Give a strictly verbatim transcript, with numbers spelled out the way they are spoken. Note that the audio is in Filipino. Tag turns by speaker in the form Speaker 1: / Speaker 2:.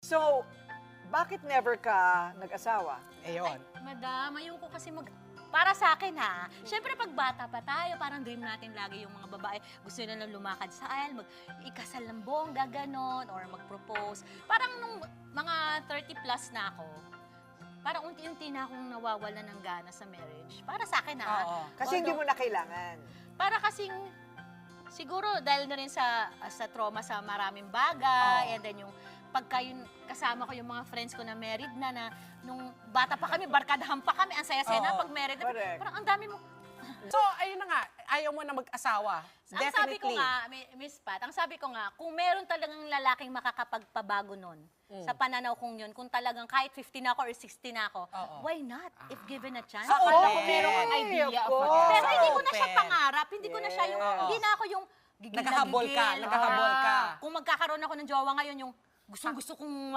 Speaker 1: So, bakit never ka nag-asawa?
Speaker 2: Ayun.
Speaker 3: Madam, ayoko kasi mag... Para sa akin ha, syempre pag bata pa tayo, parang dream natin lagi yung mga babae, gusto nila lang lumakad sa aisle, mag ikasal ng bongga, ganon, or mag-propose. Parang nung mga thirty plus na ako, parang unti-unti na akong nawawala ng gana sa marriage. Para sa akin ha.
Speaker 2: Oo.
Speaker 1: Kasi hindi mo na kailangan.
Speaker 3: Para kasing, siguro dahil na rin sa, sa trauma sa maraming bagay,
Speaker 2: Oo.
Speaker 3: and then yung pagka yung kasama ko yung mga friends ko na married na, na nung bata pa kami, barkadahan pa kami, ang saya-saya na
Speaker 2: Oo.
Speaker 3: pag married na.
Speaker 1: Correct.
Speaker 3: Parang ang dami mo.
Speaker 2: So, ayun na nga, ayaw mo na mag-asawa.
Speaker 3: Ang
Speaker 2: Definitely.
Speaker 3: sabi ko nga, Mi- Miss Pat, ang sabi ko nga, kung meron talagang lalaking makakapagpabago nun,
Speaker 2: Mm.
Speaker 3: sa pananaw kong yun, kung talagang kahit fifty na ako or sixty na ako,
Speaker 2: Oo.
Speaker 3: why not? If given a chance.
Speaker 2: Ah,
Speaker 3: Akala
Speaker 2: open.
Speaker 3: ko meron kang
Speaker 1: Ay,
Speaker 3: idea.
Speaker 1: of
Speaker 3: of
Speaker 1: course.
Speaker 3: what- Pero
Speaker 2: Ah,
Speaker 3: hindi ko na siya
Speaker 2: open.
Speaker 3: pangarap, hindi ko na siya yung,
Speaker 1: Yes.
Speaker 3: hindi na ako yung gigil na
Speaker 2: Naghahabol ka,
Speaker 3: gigil.
Speaker 2: naghahabol ka.
Speaker 3: Ah, Kung magkakaroon ako ng jowa ngayon, yung gustong gusto kong